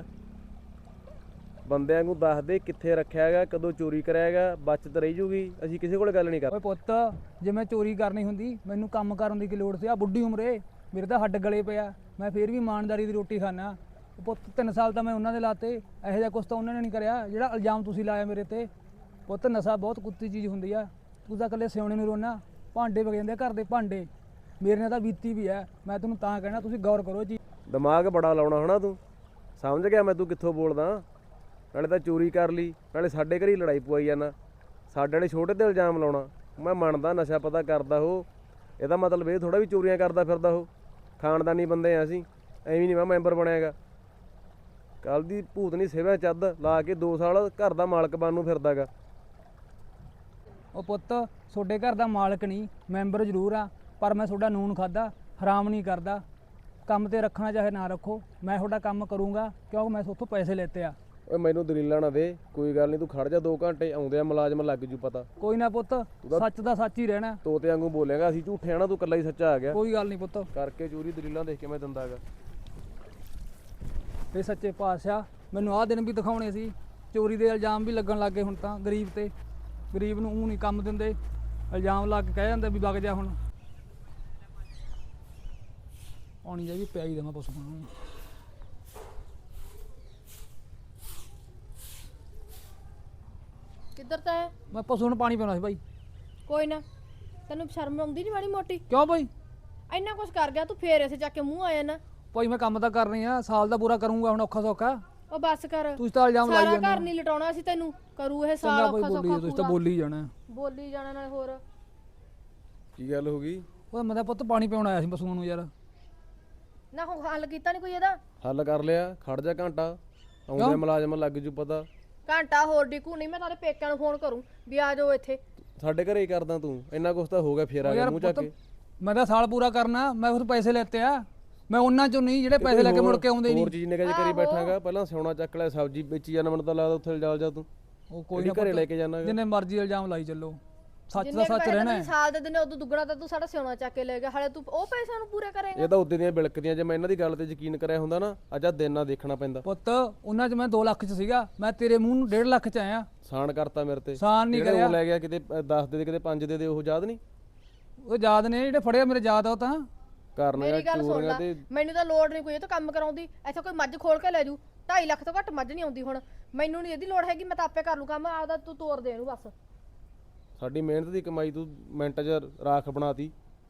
A: ਬੰਦਿਆਂ ਨੂੰ ਦੱਸ ਦੇ ਕਿੱਥੇ ਰੱਖਿਆ ਹੈਗਾ, ਕਦੋਂ ਚੋਰੀ ਕਰਿਆ ਹੈਗਾ, ਬਚਤ ਰਹੀ ਜੂਗੀ। ਅਸੀਂ ਕਿਸੇ ਕੋਲ ਗੱਲ ਨਹੀਂ ਕਰ।
B: ਓਏ ਪੁੱਤ ਜੇ ਮੈਂ ਚੋਰੀ ਕਰਨੀ ਹੁੰਦੀ ਮੈਨੂੰ ਕੰਮ ਕਰਨ ਦੀ ਕੀ ਲੋੜ ਸੀ? ਆ ਬੁੱਢੀ ਉਮਰੇ ਮੇਰੇ ਤਾਂ ਹੱਡ ਗਲੇ ਪਿਆ, ਮੈਂ ਫੇਰ ਵੀ ਇਮਾਨਦਾਰੀ ਦੀ ਰੋਟੀ ਖਾਣਾ। ਪੁੱਤ 3 ਸਾਲ ਤਾਂ ਮੈਂ ਉਹਨਾਂ ਦੇ ਲਾਤੇ। ਇਹੋ ਜਿਹਾ ਕੁਛ ਤਾਂ ਉਹਨਾਂ ਨੇ ਨਹੀਂ ਕਰਿਆ ਜਿਹੜਾ ਇਲਜ਼ਾਮ ਤੁਸੀਂ ਲਾਇਆ ਮੇਰੇ ਤੇ। ਪੁੱਤ ਨਸ਼ਾ ਬਹੁਤ ਕੁੱਤੀ ਚੀਜ਼ ਹੁੰਦੀ ਆ। ਤੂੰ ਤਾਂ ਇਕੱਲੇ ਸਿਉਣੇ ਨੂੰ ਰੋਣਾ, ਭਾਂਡੇ ਵਗ ਜਾਂਦੇ ਘਰ ਦੇ ਭਾਂਡੇ। ਮੇਰੇ ਨਾਲ ਤਾਂ ਬੀਤੀ ਵੀ ਹੈ। ਮੈਂ ਤੈਨੂੰ ਤਾਂ ਕਹਿਣਾ ਤੁਸੀਂ ਗੌਰ ਕਰੋ ਜੀ।
A: ਦਿਮਾਗ ਬੜਾ ਲਾਉਣਾ ਹੋਣਾ ਤੂੰ। ਸਮਝ ਗਿਆ ਮੈਂ ਤੂੰ ਕਿੱਥੋਂ ਬੋਲਦਾ। ਨਾਲੇ ਤਾਂ ਚੋਰੀ ਕਰ ਲਈ, ਨਾਲੇ ਸਾਡੇ ਘਰੇ ਹੀ ਲੜਾਈ ਪਵਾਈ ਜਾਂਦਾ। ਸਾਡੇ ਵਾਲੇ ਛੋਟੇ ਤੇ ਇਲਜ਼ਾਮ ਲਾਉਣਾ। ਮੈਂ ਮੰਨਦਾ ਨਸ਼ਾ ਪਤਾ ਕਰਦਾ ਉਹ, ਇਹਦਾ ਮਤਲਬ ਇਹ ਥੋੜਾ ਵੀ ਚੋਰੀਆਂ ਕਰਦਾ ਫਿਰਦਾ ਉਹ। ਖਾਨਦਾਨੀ ਬੰਦੇ ਆ ਅਸੀਂ, ਐਵੇਂ ਨਹੀਂ ਮੈਂ ਮੈਂਬਰ ਬਣਿਆਗਾ। ਕੱਲ ਦੀ ਭੂਤਨੀ ਸੇਵਾ ਚੱਦ ਲਾ ਕੇ 2 ਸਾਲ ਘਰ ਦਾ ਮਾਲਕ ਬਣ ਨੂੰ ਫਿਰਦਾਗਾ।
B: ਉਹ ਪੁੱਤ ਤੁਹਾਡੇ ਘਰ ਦਾ ਮਾਲਕ ਨਹੀਂ, ਮੈਂਬਰ ਜ਼ਰੂਰ ਆ, ਪਰ ਮੈਂ ਤੁਹਾਡਾ ਨੂਨ ਖਾਦਾ, ਹਰਾਮ ਨਹੀਂ ਕਰਦਾ। ਕੰਮ ਤੇ ਰੱਖਣਾ ਚਾਹੇ ਨਾ ਰੱਖੋ, ਮੈਂ ਤੁਹਾਡਾ ਕੰਮ ਕਰੂੰਗਾ ਕਿਉਂਕਿ ਮੈਂ ਤੁਹਾਤੋਂ ਪੈਸੇ ਲੈਤੇ ਆ।
A: ਓਏ ਮੈਨੂੰ ਦਲੀਲਾਂ ਨਾ ਦੇ, ਕੋਈ ਗੱਲ ਨਹੀਂ। ਤੂੰ ਖੜ ਜਾ 2 ਘੰਟੇ, ਆਉਂਦੇ ਆ ਮੁਲਾਜ਼ਮ ਲੱਗ ਜੂ ਪਤਾ।
B: ਕੋਈ ਨਾ ਪੁੱਤ, ਸੱਚ ਦਾ ਸੱਚ ਹੀ ਰਹਿਣਾ।
A: ਤੋਤੇ ਵਾਂਗੂ ਬੋਲੇਗਾ, ਅਸੀਂ ਝੂਠੇ ਆ ਨਾ, ਤੂੰ ਇਕੱਲਾ ਹੀ ਸੱਚਾ ਆ ਗਿਆ।
B: ਕੋਈ ਗੱਲ ਨਹੀਂ ਪੁੱਤ।
A: ਕਰਕੇ ਚੋਰੀ ਦਲੀਲਾਂ ਦੇਖ ਕੇ ਮੈਂ ਦਿੰਦਾਗਾ।
B: ਤੇ ਸੱਚੇ ਪਾਤਸ਼ਾਹ ਮੈਨੂੰ ਆਹ ਦਿਨ ਵੀ ਦਿਖਾਉਣੇ ਸੀ। ਚੋਰੀ ਦੇ ਇਲਜ਼ਾਮ ਵੀ ਲੱਗਣ ਲੱਗੇ ਹੁਣ ਤਾਂ ਗਰੀਬ ਤੇ। ਗਰੀਬ ਨੂੰ ਊਂ ਨਹੀਂ ਕੰਮ ਦਿੰਦੇ, ਇਲਜ਼ਾਮ ਲਾ ਕੇ ਕਹਿ ਜਾਂਦੇ ਵੀ ਵਗ ਜਾ ਹੁਣ। ਆਉਣੀ ਜਾ ਵੀ ਪਿਆਈ ਦੇਵਾਂ ਪਸ਼ੂ ਨੂੰ।
E: ਕਿੱਧਰ ਤਾਂ ਹੈ?
B: ਮੈਂ ਪਸ਼ੂ ਨੂੰ ਪਾਣੀ ਪਿਆਉਣਾ ਸੀ ਭਾਈ।
E: ਕੋਈ ਨਾ, ਤੈਨੂੰ ਸ਼ਰਮ ਆਉਂਦੀ ਨਹੀਂ ਮਾੜੀ ਮੋਟੀ?
B: ਕਿਉਂ ਭਾਈ?
E: ਇੰਨਾ ਕੁਛ ਕਰ ਗਿਆ ਤੂੰ, ਫੇਰ ਇਸੇ ਚੱਕ ਕੇ ਮੂੰਹ ਆਇਆ ਨਾ।
B: ਭਾਈ ਮੈਂ ਕੰਮ ਤਾਂ ਕਰਨੀ ਆ, ਸਾਲ ਦਾ ਪੂਰਾ ਕਰੂੰਗਾ ਹੁਣ ਔਖਾ ਸੌਖਾ।
E: ਉਹ ਬੱਸ ਕਰ,
B: ਤੁਸੀਂ ਤਾਂ ਇਲਜ਼ਾਮ ਲਾਈ
E: ਸਾਰਾ
B: ਜਾਂਦੇ
E: ਘਰ
B: ਹੋ।
E: ਨਹੀਂ ਲਟਾਉਣਾ ਸੀ ਤੈਨੂੰ, ਕਰੂ ਇਹ ਸਾਲ
B: ਚੰਗਾ ਭਾਈ
E: ਔਖਾ
B: ਬੋਲੀ
E: ਸੌਖਾ
B: ਤੁਸੀਂ ਤਾਂ
E: ਪੂਰਾ।
B: ਬੋਲੀ ਜਾਣਾ।
E: ਬੋਲੀ ਜਾਣਾ ਨਾਲ ਹੋਰ।
A: ਕੀ ਗੱਲ ਹੋ ਗਈ?
B: ਉਹ ਮੈਂ ਤਾਂ ਪੁੱਤ ਪਾਣੀ ਪਿਆਉਣ ਆਇਆ ਸੀ ਪਸ਼ੂਆਂ ਨੂੰ ਯਾਰ।
E: ਨਾ ਹੁਣ ਹੱਲ ਕੀਤਾ ਨਹੀਂ ਕੋਈ ਇਹਦਾ?
A: ਹੱਲ ਕਰ ਲਿਆ, ਖੜ ਜਾ ਘੰਟਾ, ਆਉਂਦੇ ਮੁਲਾਜ਼ਮ ਲੱਗ ਜੂ ਪਤਾ।
E: ਘੰਟਾ ਹੋਰ ਡਿਕੂ ਨਹੀਂ, ਮੈਂ ਤਾਰੇ ਪੇਕਿਆਂ ਨੂੰ ਫੋਨ ਕਰੂੰ ਵੀ ਆ ਜਾਓ ਇੱਥੇ।
A: ਸਾਡੇ ਘਰੇ ਹੀ ਕਰਦਾ ਤੂੰ, ਇੰਨਾ ਕੁਛ ਤਾਂ ਹੋ ਗਿਆ ਫੇਰ ਆ
B: ਉਹ
A: ਗਿਆ
B: ਯਾਰ
A: ਮੂੰਹ ਚੱਕ
B: ਪੁੱਤ
A: ਕੇ।
B: ਮੈਂ ਤਾਂ ਸਾਲ ਪੂਰਾ ਕਰਨਾ, ਮੈਂ ਉਸ ਪੈਸੇ ਲੈਤੇ ਆ। ਮੈਂ ਉਹਨਾਂ ਚੋਂ ਨਹੀਂ ਜਿਹੜੇ ਪੈਸੇ ਲੈ ਕੇ ਮੁੜ ਕੇ ਆਉਂਦੇ
A: ਹੋਰ
B: ਨਹੀਂ।
A: ਚੀਜ਼ ਨਿਕਾ ਜੇ ਕਰੀ ਬੈਠਾਂਗਾ। ਪਹਿਲਾਂ ਸਿਉਣਾ ਚੱਕ ਲੈ, ਸਬਜ਼ੀ ਵੇਚੀ ਜਾਣਾ। ਮੈਨੂੰ ਤਾਂ ਲੱਗਦਾ ਉੱਥੇ ਜਾ ਤੂੰ।
B: ਉਹ ਕੋਈ
A: ਨਾ
B: ਨਾ
A: ਘਰੇ ਲੈ ਕੇ ਜਾਣਾ।
B: ਜਿੰਨੇ ਮਰਜ਼ੀ ਇਲਜ਼ਾਮ ਲਾਈ ਚੱਲੋ, ਸੱਚ ਦਾ
E: ਜਿੰਨੇ
B: ਸੱਚ
E: ਪੈਸੇ
B: ਰਹਿਣਾ
E: ਤੈਨੂੰ
B: ਹੈ।
E: ਸਾਲ ਦੇ ਦਿਨੇ ਉਦੋਂ ਦੁੱਗਣਾ ਤਾਂ ਤੂੰ ਸਾਡਾ ਸਿਉਣਾ ਚੱਕ ਕੇ ਲੈ ਗਿਆ, ਹਾਲੇ ਤੂੰ ਉਹ ਪੈਸਿਆਂ ਨੂੰ ਪੂਰਾ ਕਰੇਗਾ?
A: ਇਹ ਤਾਂ ਉੱਦੇ ਦੀਆਂ ਬਿਲਕਦੀਆਂ। ਜੇ ਮੈਂ ਇਹਨਾਂ ਦੀ ਗੱਲ ਤੇ ਯਕੀਨ ਕਰਿਆ ਹੁੰਦਾ ਨਾ, ਅੱਜ ਆ ਦਿਨ ਨਾ ਦੇਖਣਾ ਪੈਂਦਾ।
B: ਪੁੱਤ ਉਹਨਾਂ 'ਚ ਮੈਂ 2 ਲੱਖ 'ਚ ਸੀਗਾ, ਮੈਂ ਤੇਰੇ ਮੂੰਹ ਨੂੰ 1.5 ਲੱਖ 'ਚ ਆਇਆ।
A: ਸਾਨ ਕਰਤਾ ਮੇਰੇ ਤੇ।
B: ਸਾਨ ਨਹੀਂ
A: ਜਿਹੜੇ
B: ਕਰਿਆ।
A: ਉਹ ਲੈ ਗਿਆ ਕਿਤੇ 10 ਦੇ ਕਿਤੇ 5 ਦੇ ਉਹ ਯਾਦ ਨਹੀਂ?
B: ਉਹ ਯਾਦ ਨੇ ਜਿਹੜੇ ਫੜਿਆ ਮੇਰੇ ਯਾਦ ਆ ਉਹ ਤਾਂ।
A: ਕਰਨਾ
E: ਮੇਰੀ ਗੱਲ ਸੁਣ
A: ਚੋਰੀਆਂ
E: ਲੈ,
A: ਤੇ।
E: ਮੈਨੂੰ ਤਾਂ ਲੋੜ ਨਹੀਂ ਕੋਈ ਇਹ ਤੋਂ ਕੰਮ ਕਰਾਉਂਦੀ। ਇੱਥੇ ਕੋਈ ਮੱਝ ਖੋਲ ਕੇ ਲੈ ਜੂ, 2.5 ਲੱਖ ਤੋਂ ਘੱਟ ਮੱਝ ਨਹੀਂ ਆਉਂਦੀ ਹੁਣ। ਮੈਨੂੰ ਨਹੀਂ ਇਹਦੀ ਲੋੜ ਹੈਗੀ, ਮੈਂ ਤਾਂ ਆਪੇ ਕਰ ਲੂ ਕੰਮ ਆਪਦਾ। ਤੂੰ ਤੋਰ ਦੇ ਇਹਨੂੰ ਬਸ।
A: ਸਾਡੀ ਮਿਹਨਤ ਦੀ ਕਮਾਈ ਤੂੰ ਮਿੰਟ 'ਚ ਰਾਖ ਬਣਾਤੀ।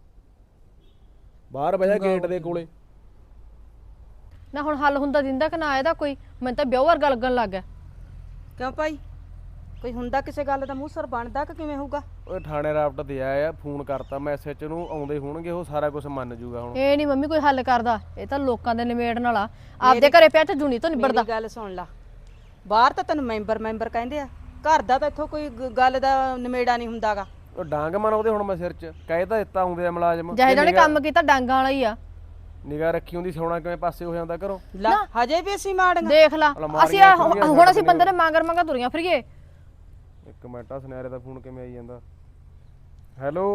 A: ਬਾਹਰ ਬਹਿ ਜਾ ਗੇਟ ਦੇ ਕੋਲੇ।
E: ਨਾ ਹੁਣ ਹੱਲ ਹੁੰਦਾ ਦਿੰਦਾ ਕਿ ਨਾ ਇਹਦਾ ਕੋਈ? ਮੈਨੂੰ ਤਾਂ ਵਿਆਹ ਵਰਗਾ ਲੱਗਣ ਲੱਗ ਗਿਆ।
D: ਕਿਉਂ ਭਾਈ ਕੋਈ ਹੁੰਦਾ ਕਿਸੇ ਗੱਲ ਦਾ ਮੂੰਹ ਸਰ ਬਣਦਾ ਕਿ ਕਿਵੇਂ ਹੋਊਗਾ?
A: ਓਏ ਥਾਣੇ ਰਾਪਟ ਤੇ ਆਇਆ ਫੋਨ ਕਰਤਾ ਮੈਂ ਐਸਐਚ ਨੂੰ, ਆਉਂਦੇ ਹੋਣਗੇ ਉਹ ਸਾਰਾ ਕੁਝ ਮੰਨ ਜੂਗਾ ਹੁਣ।
E: ਇਹ ਨਹੀਂ ਮੰਮੀ ਕੋਈ ਹੱਲ ਕਰਦਾ, ਇਹ ਤਾਂ ਲੋਕਾਂ ਦੇ ਨਿਬੇੜਨ ਵਾਲਾ, ਆਪਦੇ ਘਰੇ ਪਿਆ ਤੇ ਜੂਨੀ ਤੋਂ ਨਿਬੜਦਾ।
D: ਮੇਰੀ ਗੱਲ ਸੁਣ ਲਾ, ਬਾਹਰ ਤਾਂ ਤੈਨੂੰ ਮੈਂਬਰ ਕਹਿੰਦੇ ਆ, ਘਰ ਦਾ ਤਾਂ ਇੱਥੋਂ ਕੋਈ ਗੱਲ ਦਾ ਨਿਮੇੜਾ ਨਹੀਂ ਹੁੰਦਾਗਾ।
A: ਉਹ ਡਾਂਗ ਮਾਰ ਉਹਦੇ ਹੁਣ ਮੈਂ ਸਿਰ 'ਚ ਕਹਿ ਤਾਂ ਦਿੱਤਾ ਆਉਂਦੇ ਆ ਮੁਲਾਜ਼ਮ।
E: ਜਿਹੇ ਜਿਹਨੇ ਕੰਮ ਕੀਤਾ ਡਾਂਗਾਂ ਵਾਲਾ ਹੀ ਆ।
A: ਨਿਗਾਹ ਰੱਖੀ ਹੁੰਦੀ ਸੋਣਾ ਕਿਵੇਂ ਪਾਸੇ ਹੋ ਜਾਂਦਾ ਘਰੋਂ।
D: ਲਾ ਹਜੇ ਵੀ ਅਸੀਂ ਮਾੜੀਆਂ।
E: ਦੇਖ ਲਾ
A: ਅਲਮਾਰੀਆਂ
E: ਅਸੀਂ
A: ਖੁੱਲੀਆਂ
E: ਹੁਣ ਅਸੀਂ
A: ਸਾਡੇ
E: ਬੰਦੇ ਨੇ ਮੰਗਰ ਤੁਰੀਆਂ ਫਿਰੀਏ।
A: ਇੱਕ ਮਿੰਟ ਆ ਸੁਨਿਆਰੇ ਦਾ ਫੋਨ ਕਿਵੇਂ ਆਈ ਜਾਂਦਾ। ਹੈਲੋ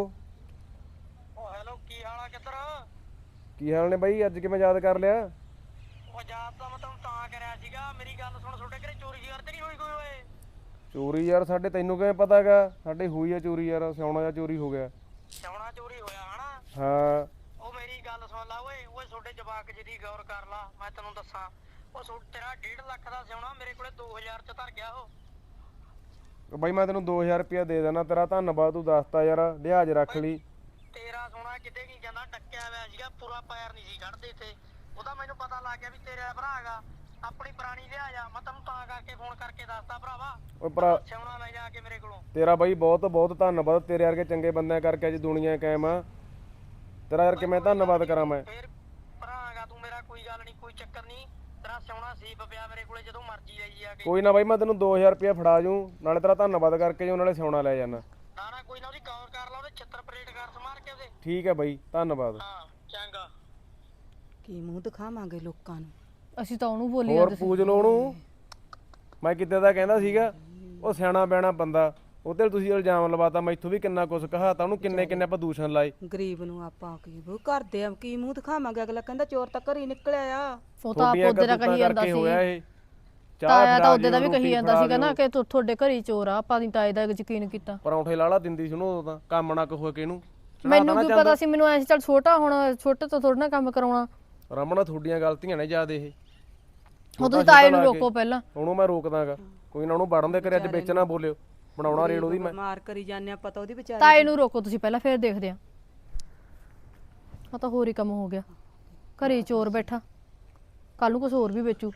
F: ਹੈਲੋ, ਕੀ ਹਾਲ ਆ? ਕਿੱਧਰ?
A: ਕੀ ਹਾਲ ਨੇ ਬਾਈ, ਅੱਜ ਕਿਵੇਂ ਯਾਦ ਕਰ ਲਿਆ?
F: ਉਹ ਯਾਦ ਤਾਂ ਮੈਂ ਤੁਹਾਨੂੰ ਤਾਂ ਕਰਿਆ ਸੀਗਾ, ਮੇਰੀ ਗੱਲ ਸੁਣ, ਤੁਹਾਡੇ ਘਰੇ ਚੋਰੀ ਯਾਰ ਤੇ ਨਹੀਂ ਹੋਈ ਕੋਈ ਓਏ?
A: ਚੋਰੀ ਯਾਰ ਸਾਡੇ ਤੈਨੂੰ ਕਿਵੇਂ ਪਤਾਗਾ? ਸਾਡੇ ਹੋਈ ਆ ਚੋਰੀ ਯਾਰ, ਸਿਆਉਣਾ ਜਾਂ ਚੋਰੀ ਹੋ ਗਿਆ।
F: ਸੋਨਾ ਚੋਰੀ ਹੋਇਆ ਹਨਾ?
A: ਹਾਂ
F: ਉਹ ਮੇਰੀ ਗੱਲ ਸੁਣ ਲਾ ਓਏ, ਓਏ ਤੁਹਾਡੇ ਜਵਾਕ ਜੀ ਦੀ ਗੌਰ ਕਰ ਲਾ, ਮੈਂ ਤੈਨੂੰ ਦੱਸਾਂ। ਉਹ ਤੇਰਾ 1.5 ਲੱਖ ਦਾ ਸਿਉਣਾ ਮੇਰੇ ਕੋਲੇ 2000 ਚ ਧਰ ਗਿਆ ਉਹ।
A: ਬਾਈ ਮੈਂ ਤੈਨੂੰ 2000 ਰੁਪਇਆ ਦੇ ਦੇਣਾ, ਤੇਰਾ ਧੰਨਵਾਦ, ਤੂੰ ਦੱਸਤਾ ਯਾਰ, ਲਿਹਾਜ਼ ਰੱਖ ਲਈ।
F: ਤੇਰਾ ਸੋਨਾ ਕਿਤੇ ਕੀ ਜਾਂਦਾ, ਟੱਕਿਆ ਹੋਇਆ ਸੀਗਾ, ਪੂਰਾ ਪੈਰ ਨਹੀਂ ਸੀ ਕੱਢਦੇ ਤੇ। ਉਹਦਾ ਮੈਨੂੰ ਪਤਾ ਲੱਗ ਗਿਆ ਵੀ ਤੇਰਾ ਭਰਾ ਹੈਗਾ, ਆਪਣੀ ਪੁਰਾਣੀ ਲਿਆ ਜਾ, ਮੈਂ ਤੈਨੂੰ ਤਾਂ ਕਰਕੇ ਫੋਨ ਕਰਕੇ ਦੱਸਦਾ ਭਰਾਵਾ।
A: ਓਏ ਭਰਾ
F: ਸਿਉਣਾ ਲੈ ਜਾ ਕੇ ਮੇਰੇ ਕੋਲੋਂ।
A: ਤੇਰਾ ਬਾਈ ਬਹੁਤ ਬਹੁਤ ਧੰਨਵਾਦ, ਤੇਰੇ ਵਰਗੇ ਚੰਗੇ ਬੰਦਿਆਂ ਕਰਕੇ ਅੱਜ ਦੁਨੀਆ ਕਾਇਮ ਆ। ਤੇਰਾ ਯਾਰ ਕਿਵੇਂ ਧੰਨਵਾਦ ਕਰਾਂ ਮੈਂ।
F: ਫੇਰ ਭਰਾ ਹੈਗਾ ਤੂੰ ਮੇਰਾ, ਕੋਈ ਗੱਲ ਨਹੀਂ, ਕੋਈ ਚੱਕਰ ਨਹੀਂ। ਤੇਰਾ ਸਿਉਣਾ ਸੀਪ ਪਿਆ ਮੇਰੇ ਕੋਲੇ, ਜਦੋਂ ਮਰਜ਼ੀ ਲਈ ਆ ਕੇ।
A: ਕੋਈ ਨਾ ਬਾਈ ਮੈਂ ਤੈਨੂੰ 2000 ਰੁਪਇਆ ਫੜਾ ਜੂ, ਨਾਲੇ ਤੇਰਾ ਧੰਨਵਾਦ ਕਰਕੇ ਜੂ, ਨਾਲੇ ਸਿਉਣਾ ਲੈ ਜਾਣਾ।
F: ਨਾ ਨਾ ਕੋਈ ਨਾ, ਉਹਦੀ ਗੌਰ ਕਰ ਲਾ, ਉਹਦੇ ਛਿੱਤਰ ਪਲੇਟ ਕਰ ਸਮਾਰ ਕੇ ਉਹਦੇ।
A: ਠੀਕ ਹੈ ਬਾਈ, ਧੰਨਵਾਦ।
F: ਹਾਂ ਚੰਗਾ।
D: ਕੀ ਮੂੰਹ ਦਿਖਾਵਾਂਗੇ ਲੋਕਾਂ ਨੂੰ?
E: ਅਸੀਂ ਤਾਂ ਉਹਨੂੰ ਬੋਲੀ
A: ਹੋਰ ਪੂਜ ਲੋ ਉਹਨੂੰ। ਮੈਂ ਕਿਤੇ ਦਾ ਕਹਿੰਦਾ ਸੀਗਾ, ਉਹ ਸਿਆਣਾ ਬਿਆਣਾ ਬੰਦਾ, ਉਹਦੇ ਤੁਸੀਂ ਇਲਜ਼ਾਮ ਲਵਾਤਾ, ਮੈਥੋਂ ਵੀ ਕਿੰਨਾ ਕੁਛ ਕਹਾਤਾ ਉਹਨੂੰ, ਕਿੰਨੇ ਪ੍ਰਦੂਸ਼ਣ ਲਾਏ।
D: ਗਰੀਬ ਨੂੰ ਆਪਾਂ ਕੀ ਕਰਦੇ ਆ, ਕੀ ਮੂੰਹ ਦਿਖਾਵਾਂਗੇ? ਅਗਲਾ ਕਹਿੰਦਾ ਚੋਰ ਤਾਂ ਘਰ ਹੀ ਨਿਕਲਿਆ ਆ।
E: ਉਹ ਤਾਂ ਆਪ ਉਹਦੇ ਦਾ ਕਹੀ ਜਾਂਦਾ ਸੀ।
A: ਹੋਇਆ ਇਹ
E: ਤਾਇਆ ਤਾਂ ਉਹਦੇ ਦਾ ਵੀ ਕਹੀ ਜਾਂਦਾ ਸੀਗਾ ਨਾ ਕਿ ਤੁਹਾਡੇ ਘਰ ਹੀ ਚੋਰ ਆ, ਆਪਾਂ ਨਹੀਂ ਤਾਏ ਦਾ ਯਕੀਨ ਕੀਤਾ।
A: ਪਰੌਂਠੇ ਲਾਲਾ ਦਿੰਦੀ ਸੀ ਉਹਨੂੰ, ਉਦੋਂ ਤਾਂ ਕੰਮ ਨਾ ਕਹੋ ਕਿ ਇਹਨੂੰ।
E: ਮੈਨੂੰ ਕੀ ਪਤਾ ਸੀ, ਮੈਨੂੰ ਐਂ ਸੀ ਚੱਲ ਛੋਟਾ, ਹੁਣ ਛੋਟੇ ਤੋਂ ਥੋੜਾ ਨਾ ਕੰਮ ਕਰਾਉਣਾ।
A: ਰਮਣਾ ਤੁਹਾਡੀਆਂ ਗਲਤੀਆਂ ਨੇ ਜਿਆਦਾ ਇਹ।
E: ਉਹ ਤੁਸੀਂ ਤਾਏ ਨੂੰ ਰੋਕੋ ਪਹਿਲਾਂ।
A: ਉਹਨੂੰ ਮੈਂ ਰੋਕਦਾਗਾ, ਕੋਈ ਨਾ, ਉਹਨੂੰ ਵੜਨ ਦੇ ਕਰੇ, ਅੱਜ ਵਿੱਚ ਨਾ ਬੋਲਿਓ, ਬਣਾਉਣਾ ਰੇਡ ਉਹਦੀ ਮੈਂ।
D: ਮਾਰ ਕਰੀ ਜਾਂਦੇ ਆ, ਪਤਾ ਉਹਦੀ ਵਿਚਾਰੀ।
E: ਤਾਏ ਨੂੰ ਰੋਕੋ ਤੁਸੀਂ ਪਹਿਲਾਂ, ਫੇਰ ਦੇਖਦੇ ਆ। ਆ ਤਾਂ ਹੋਰ ਹੀ ਕੰਮ ਹੋ ਗਿਆ, ਘਰੇ ਚੋਰ ਬੈਠਾ, ਕੱਲ ਨੂੰ ਕੁਝ ਹੋਰ ਵੀ ਵੇਚੂ।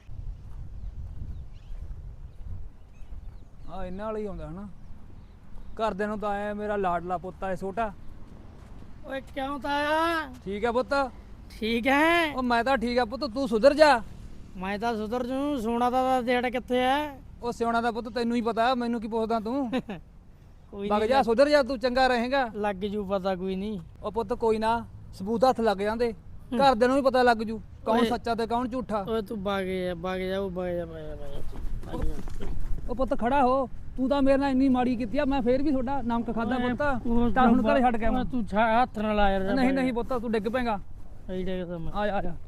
B: ਆ ਇਹਨਾਂ ਵਾਲਾ ਹੀ ਆਉਂਦਾ ਹਨਾ, ਘਰਦਿਆਂ ਨੂੰ ਤਾਂ ਆਇਆ ਮੇਰਾ ਲਾਡਲਾ ਪੁੱਤ ਹੈ ਛੋਟਾ।
F: ਓਏ ਕਿਉਂ ਤਾਇਆ?
B: ਠੀਕ ਹੈ ਪੁੱਤ।
F: ਠੀਕ ਹੈ।
B: ਉਹ ਮੈਂ ਤਾਂ ਠੀਕ ਆ ਪੁੱਤ, ਤੂੰ ਸੁਧਰ ਜਾ।
F: ਮੈਂ ਤਾਂ ਸੁਧਰ ਜੂ, ਸੋਨਾ ਦਾ ਡੇਟ ਕਿੱਥੇ ਹੈ?
B: ਉਹ ਸਿਉਣਾ ਦਾ ਪੁੱਤ ਤੈਨੂੰ ਹੀ ਪਤਾ, ਮੈਨੂੰ ਕੀ ਪੁੱਛਦਾ ਤੂੰ।
F: ਕੋਈ
B: ਵਗ ਜਾ, ਸੁਧਰ ਜਾ, ਤੂੰ ਚੰਗਾ ਰਹੇਗਾ।
F: ਲੱਗ ਜੂ ਪਤਾ, ਕੋਈ ਨਹੀਂ।
B: ਉਹ ਪੁੱਤ ਕੋਈ ਨਾ, ਸਬੂਤ ਹੱਥ ਲੱਗ ਜਾਂਦੇ, ਘਰਦਿਆਂ ਨੂੰ ਵੀ ਪਤਾ ਲੱਗ ਜੂ ਕੌਣ ਸੱਚਾ ਤੇ ਕੌਣ ਝੂਠਾ।
F: ਓਏ ਤੂੰ ਬਾਗ ਜਾ ਉਹ ਬਾਗ ਜਾ।
B: ਉਹ ਪੁੱਤ ਖੜਾ ਹੋ, ਤੂੰ ਤਾਂ ਮੇਰੇ ਨਾਲ ਇੰਨੀ ਮਾੜੀ ਕੀਤੀ ਆ, ਮੈਂ ਫੇਰ ਵੀ ਤੁਹਾਡਾ ਨਮਕ ਖਾਦਾ ਪੁੱਤ। ਚੱਲ ਹੁਣ ਘਰੇ ਛੱਡ ਕੇ ਆਵਾਂ।
F: ਤੂੰ ਹੱਥ ਨਾਲ ਆ ਯਾਰ।
B: ਨਹੀਂ ਨਹੀਂ ਪੁੱਤ, ਤੂੰ ਡਿੱਗ ਪੈਂਗਾ। ਆ ਜਾ ਆ ਜਾ।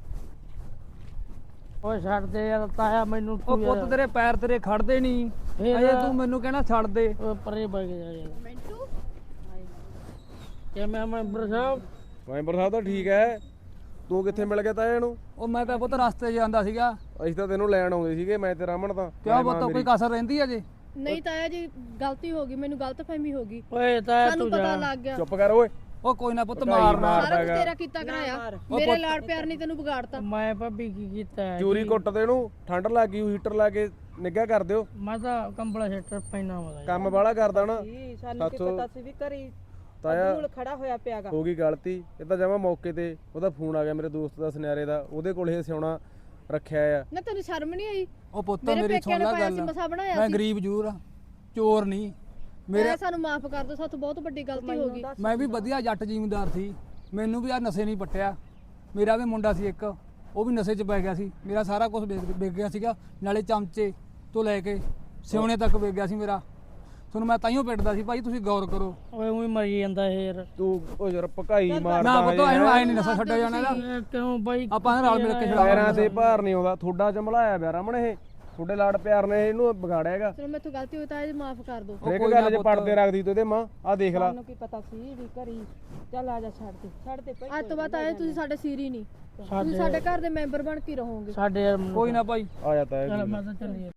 F: ਓਏ ਛੱਡ ਦੇ ਯਾਰ ਤਾਇਆ ਮੈਨੂੰ।
B: ਉਹ ਪੁੱਤ ਤੇਰੇ ਪੈਰ ਤੇਰੇ ਖੜਦੇ ਨਹੀਂ, ਅਜੇ ਤੂੰ ਮੈਨੂੰ ਕਹਿਣਾ ਛੱਡ ਦੇ।
F: ਓਏ ਪਰੇ ਬਾਗ ਜਾ ਯਾਰ। ਮਿੰਟੂ ਕਿਵੇਂ ਮੈਂਬਰ ਸਾਹਿਬ?
A: ਮੈਂਬਰ ਸਾਹਿਬ ਤਾਂ ਠੀਕ ਹੈ, ਤੂੰ ਕਿੱਥੇ ਮਿਲ ਗਿਆ ਤਾਇਆ ਇਹਨੂੰ?
B: ਉਹ ਮੈਂ ਤਾਂ ਪੁੱਤ ਰਸਤੇ 'ਚ ਜਾਂਦਾ ਸੀਗਾ।
A: ਅਸੀਂ ਤਾਂ ਤੈਨੂੰ ਲੈਣ ਆਉਂਦੇ ਸੀਗੇ, ਮੈਂ ਤੇ ਰਮਨ ਤਾਂ।
B: ਕਿਉਂ ਪੁੱਤ, ਕੋਈ ਕਸਰ ਰਹਿੰਦੀ ਅਜੇ?
E: ਨਹੀਂ ਤਾਇਆ ਜੀ, ਗਲਤੀ ਹੋ ਗਈ, ਮੈਨੂੰ ਗਲਤਫਹਿਮੀ ਹੋ ਗਈ,
F: ਓਏ ਤਾਇਆ
E: ਸਾਨੂੰ
F: ਤੂੰ
E: ਪਤਾ
F: ਜਾ।
E: ਲੱਗ ਗਿਆ।
A: ਚੁੱਪ ਕਰ ਓਏ।
B: ਉਹ ਕੋਈ ਨਾ ਪੁੱਤ, ਮਾਰਨਾ।
E: ਸਾਰਾ ਕੁਝ ਤੇਰਾ ਕੀਤਾ ਕਰਾਇਆ, ਮੇਰੇ ਲਾੜ ਪਿਆਰ ਨਹੀਂ ਤੈਨੂੰ ਵਿਗਾੜਤਾ।
F: ਮੈਂ ਭਾਬੀ ਕੀ ਕੀਤਾ ਹੈ?
A: ਚੂਰੀ ਕੁੱਟ ਦੇ ਇਹਨੂੰ, ਠੰਡ ਲੱਗ ਗਈ, ਹੀਟਰ ਲਾ ਕੇ ਨਿੱਘਾ ਕਰ ਦਿਓ।
F: ਮੈਂ ਤਾਂ ਕੰਬਲਾ ਸ਼ੈਟਰ ਪੈਣਾ ਵਾ।
A: ਕੰਮ ਵਾਲਾ ਕਰਦਾ ਨਾ
D: ਸਾਨੂੰ ਕੀ ਪਤਾ ਸੀ ਵੀ ਘਰੀ
A: ਤਾਇਆ।
D: ਅਬਦੁਲ ਖੜਾ ਹੋਇਆ ਪਿਆਗਾ।
A: ਹੋ ਗਈ ਗਲਤੀ, ਇਹ ਤਾਂ ਜਮਾ ਮੌਕੇ ਤੇ ਉਹਦਾ ਫੋਨ ਆ ਗਿਆ ਮੇਰੇ ਦੋਸਤ ਦਾ ਸੁਨਿਆਰੇ ਦਾ, ਉਹਦੇ ਕੋਲ ਇਹ ਸਿਉਣਾ ਰੱਖਿਆ ਆ।
E: ਨਾ ਤੈਨੂੰ ਸ਼ਰਮ ਨਹੀਂ ਆਈ?
B: ਉਹ ਪੁੱਤ
E: ਮੇਰੇ
B: ਮੇਰੀ
E: ਪੇਕਿਆਂ
B: ਸੁਣ
E: ਨੇ
B: ਲੈ
E: ਪਾਇਆ ਸੀ,
B: ਗੱਲ,
E: ਮਸਾ ਬਣਾਇਆ
B: ਮੈਂ
E: ਸੀ।
B: ਗਰੀਬ ਜ਼ਰੂਰ ਆ, ਚੋਰ ਨਹੀਂ। ਮੇਰੇ
E: ਸਾਨੂੰ ਮਾਫ ਕਰ ਦਿਓ, ਸਾਥੋਂ ਬਹੁਤ ਵੱਡੀ ਗਲਤੀ ਹੋ ਗਈ।
B: ਮੈਂ ਵੀ ਵਧੀਆ ਜੱਟ ਜ਼ਿਮੀਂਦਾਰ ਸੀ, ਮੈਨੂੰ ਵੀ ਆ ਨਸ਼ੇ ਨਹੀਂ ਪੱਟਿਆ। ਮੇਰਾ ਵੀ ਮੁੰਡਾ ਸੀ ਇੱਕ, ਉਹ ਵੀ ਨਸ਼ੇ 'ਚ ਪੈ ਗਿਆ ਸੀ, ਮੇਰਾ ਸਾਰਾ ਕੁਝ ਵਿਕ ਗਿਆ ਸੀਗਾ, ਨਾਲੇ ਚਮਚੇ ਤੋਂ ਲੈ ਕੇ ਸਿਉਣੇ ਤੱਕ ਵਿਕ ਗਿਆ ਸੀ ਮੇਰਾ। ਤੁਹਾਨੂੰ ਮੈਂ ਤਾਈਓ ਪਿੱਟਦਾ ਸੀ, ਭਾਈ ਤੁਸੀਂ ਗੌਰ ਕਰੋ।
F: ਓਏ ਉਹੀ ਮਰੀ ਜਾਂਦਾ ਇਹ ਯਾਰ।
A: ਤੂੰ ਉਹ ਯਾਰ ਭਕਾਈ ਮਾਰਦਾ
B: ਨਾ ਪੁੱਤ, ਇਹਨੂੰ ਆਏ ਨਹੀਂ ਨਸ਼ਾ ਛੱਡਿਆ ਜਾਣਾ ਇਹਦਾ।
F: ਕਿਉਂ ਬਾਈ?
B: ਆਪਾਂ ਨੇ ਰਲ ਮਿਲ ਕੇ
A: ਪੈਰਾਂ ਤੇ ਭਾਰ ਨਹੀਂ ਆਉਂਦਾ, ਥੋੜਾ ਚਮਲਾਇਆ ਪਿਆ ਰਮਣ, ਇਹ ਤੁਹਾਡੇ ਲਾੜ ਪਿਆਰ ਨੇ ਇਹਨੂੰ ਵਿਗਾੜਿਆ ਹੈਗਾ।
E: ਚਲੋ ਮੈਥੋਂ ਗਲਤੀ ਹੋਈ ਤਾਂ ਇਹ ਮਾਫ ਕਰ ਦਿਓ।
A: ਹਰੇਕ ਗੱਲ 'ਚ ਪੜਦੇ ਰੱਖਦੀ ਤੂੰ ਇਹਦੇ ਮਾਂ, ਆ ਦੇਖ ਲੈ।
D: ਸਾਨੂੰ ਕੀ ਪਤਾ ਸੀ ਵੀ ਘਰੀ। ਚੱਲ ਆ ਜਾ, ਛੱਡ ਦੇ ਭਾਈ।
E: ਅੱਜ ਤੋਂ ਬਾਅਦ ਆਏ ਤੁਸੀਂ ਸਾਡੇ ਸਿਰ ਹੀ ਨਹੀਂ, ਤੁਸੀਂ ਸਾਡੇ ਘਰ ਦੇ ਮੈਂਬਰ ਬਣ ਕੇ ਰਹੋਗੇ।
F: ਸਾਡੇ ਯਾਰ
B: ਕੋਈ ਨਾ ਭਾਈ।
A: ਆ ਜਾਤਾ ਹੈ।
F: ਮੈਂ ਤਾਂ ਚੱਲੀ